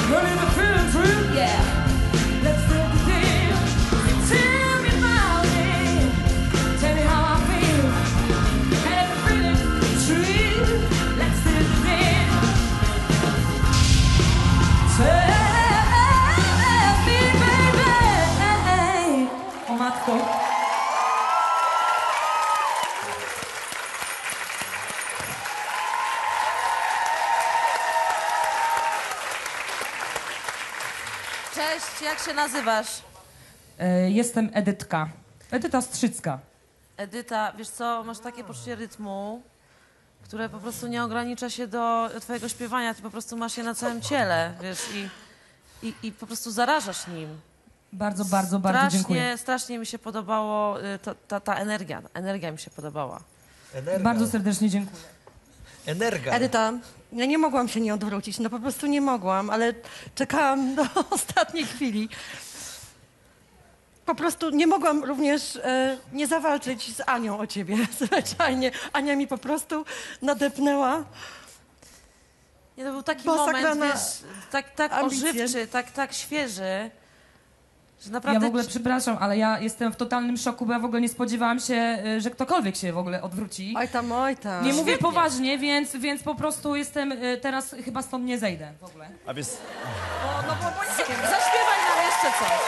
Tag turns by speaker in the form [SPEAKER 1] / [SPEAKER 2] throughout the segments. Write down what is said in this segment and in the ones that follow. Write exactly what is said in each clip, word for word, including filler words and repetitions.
[SPEAKER 1] Running the feeling true, yeah. Let's feel the deal. Tell me about it. Tell me how I feel. And if the feeling true, let's feel the deal. Tell me, baby. O matko.
[SPEAKER 2] Cześć, jak się nazywasz?
[SPEAKER 1] E, jestem Edytka. Edyta Strzycka.
[SPEAKER 2] Edyta, wiesz co, masz takie poczucie rytmu, które po prostu nie ogranicza się do twojego śpiewania, ty po prostu masz je na całym ciele, wiesz, i, i, i po prostu zarażasz nim.
[SPEAKER 1] Bardzo, bardzo, bardzo
[SPEAKER 2] strasznie,
[SPEAKER 1] dziękuję.
[SPEAKER 2] Strasznie mi się podobało, y, ta, ta, ta energia, energia mi się podobała.
[SPEAKER 3] Energa.
[SPEAKER 1] Bardzo serdecznie dziękuję.
[SPEAKER 3] Energa.
[SPEAKER 4] Edyta, ja nie mogłam się nie odwrócić, no po prostu nie mogłam, ale czekałam do ostatniej chwili. Po prostu nie mogłam również e, nie zawalczyć z Anią o ciebie, zwyczajnie. Ania mi po prostu nadepnęła.
[SPEAKER 2] Nie, to był taki
[SPEAKER 4] Bossa
[SPEAKER 2] moment,
[SPEAKER 4] grana
[SPEAKER 2] wiesz, tak, tak
[SPEAKER 4] ambicje.
[SPEAKER 2] ożywczy, tak, tak świeży, że
[SPEAKER 1] Ja
[SPEAKER 2] naprawdę...
[SPEAKER 1] w ogóle przepraszam, ale ja jestem w totalnym szoku, bo ja w ogóle nie spodziewałam się, y, że ktokolwiek się w ogóle odwróci.
[SPEAKER 4] Oj tam, oj tam.
[SPEAKER 1] Nie mówię
[SPEAKER 2] świetnie.
[SPEAKER 1] poważnie, więc, więc po prostu jestem y, teraz chyba stąd nie zejdę w ogóle.
[SPEAKER 5] A wiesz,
[SPEAKER 2] No, no bo, bo nie wiem, zaśpiewaj nam jeszcze coś.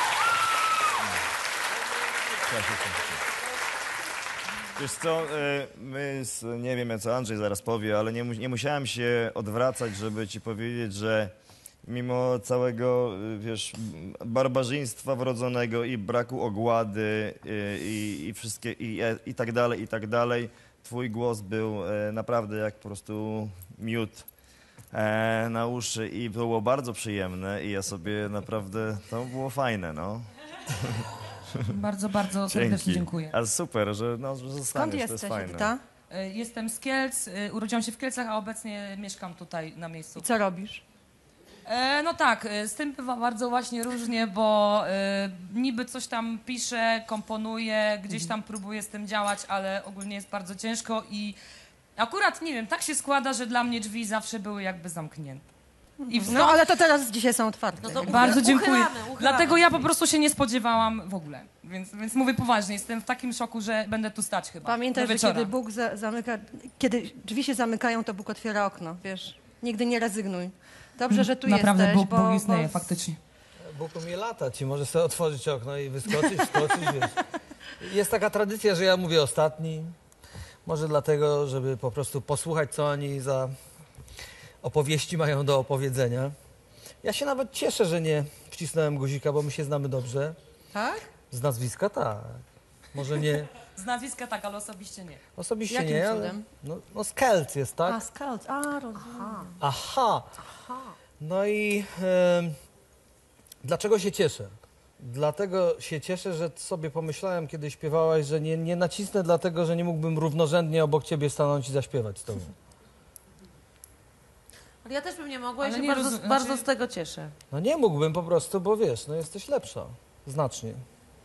[SPEAKER 5] wiesz co, y, my, z, nie wiem co Andrzej zaraz powie, ale nie, mu- nie musiałem się odwracać, żeby ci powiedzieć, że mimo całego, y, wiesz, barbarzyństwa wrodzonego i braku ogłady y, i, i wszystkie, i, e, i tak dalej, i tak dalej, twój głos był e, naprawdę jak po prostu miód e, na uszy i było bardzo przyjemne i ja sobie naprawdę, to było fajne, no.
[SPEAKER 1] Bardzo, bardzo serdecznie dziękuję.
[SPEAKER 5] Ale super, że, no, że zostaniesz,
[SPEAKER 4] Skąd
[SPEAKER 5] to jest
[SPEAKER 4] jesteś,
[SPEAKER 5] fajne.
[SPEAKER 4] Edyta?
[SPEAKER 1] Y, Jestem z Kielc, y, urodziłam się w Kielcach, a obecnie mieszkam tutaj na miejscu.
[SPEAKER 4] I co robisz?
[SPEAKER 1] E, no tak, y, z tym bywa bardzo właśnie różnie, bo y, niby coś tam piszę, komponuję, gdzieś tam próbuję z tym działać, ale ogólnie jest bardzo ciężko i akurat, nie wiem, tak się składa, że dla mnie drzwi zawsze były jakby zamknięte. I w
[SPEAKER 4] No ale to teraz dzisiaj są otwarte.
[SPEAKER 2] No to
[SPEAKER 1] Bardzo
[SPEAKER 2] uchy-
[SPEAKER 1] dziękuję.
[SPEAKER 2] uchylamy, uchylamy.
[SPEAKER 1] Dlatego ja po prostu się nie spodziewałam w ogóle. Więc, więc mówię poważnie, jestem w takim szoku, że będę tu stać chyba.
[SPEAKER 4] Pamiętaj,
[SPEAKER 1] do
[SPEAKER 4] że
[SPEAKER 1] wieczora.
[SPEAKER 4] kiedy Bóg za, zamyka, kiedy drzwi się zamykają, to Bóg otwiera okno, wiesz. Nigdy nie rezygnuj. Dobrze, że tu
[SPEAKER 1] Naprawdę
[SPEAKER 4] jesteś,
[SPEAKER 1] Bóg,
[SPEAKER 4] bo,
[SPEAKER 1] Bóg istnieje,
[SPEAKER 4] bo
[SPEAKER 1] faktycznie.
[SPEAKER 3] Bóg umie latać i może sobie otworzyć okno i wyskoczyć, wskoczyć, wiesz. Jest taka tradycja, że ja mówię ostatni. Może dlatego, żeby po prostu posłuchać, co oni za opowieści mają do opowiedzenia. Ja się nawet cieszę, że nie wcisnąłem guzika, bo my się znamy dobrze.
[SPEAKER 4] Tak?
[SPEAKER 3] Z nazwiska tak. Może nie,
[SPEAKER 1] Z nazwiska tak, ale osobiście nie.
[SPEAKER 3] osobiście
[SPEAKER 4] Jakim
[SPEAKER 3] nie, ale
[SPEAKER 4] cudem?
[SPEAKER 3] no, no z Kelc jest, tak?
[SPEAKER 4] A, scout, a, rozumiem.
[SPEAKER 3] Aha. No i em, dlaczego się cieszę? Dlatego się cieszę, że sobie pomyślałem, kiedy śpiewałaś, że nie, nie nacisnę dlatego, że nie mógłbym równorzędnie obok ciebie stanąć i zaśpiewać z tobą.
[SPEAKER 2] Ale ja też bym nie mogła i
[SPEAKER 1] Ale
[SPEAKER 2] się
[SPEAKER 1] nie
[SPEAKER 2] bardzo,
[SPEAKER 1] rozum-
[SPEAKER 2] bardzo
[SPEAKER 1] znaczy-
[SPEAKER 2] z tego cieszę.
[SPEAKER 3] No nie mógłbym po prostu, bo wiesz, no jesteś lepsza. Znacznie.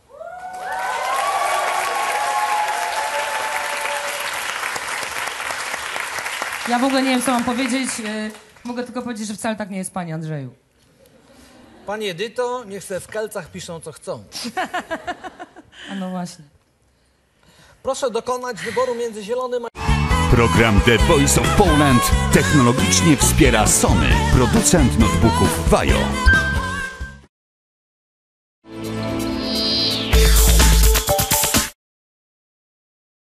[SPEAKER 1] Ja w ogóle nie wiem, co mam powiedzieć. y, Mogę tylko powiedzieć, że wcale tak nie jest, panie Andrzeju.
[SPEAKER 3] Pani Edyto, niech se w Kelcach piszą, co chcą.
[SPEAKER 1] A no właśnie.
[SPEAKER 3] Proszę dokonać wyboru między zielonym a...
[SPEAKER 6] Program The Voice of Poland technologicznie wspiera Sony, producent notebooków Vajo.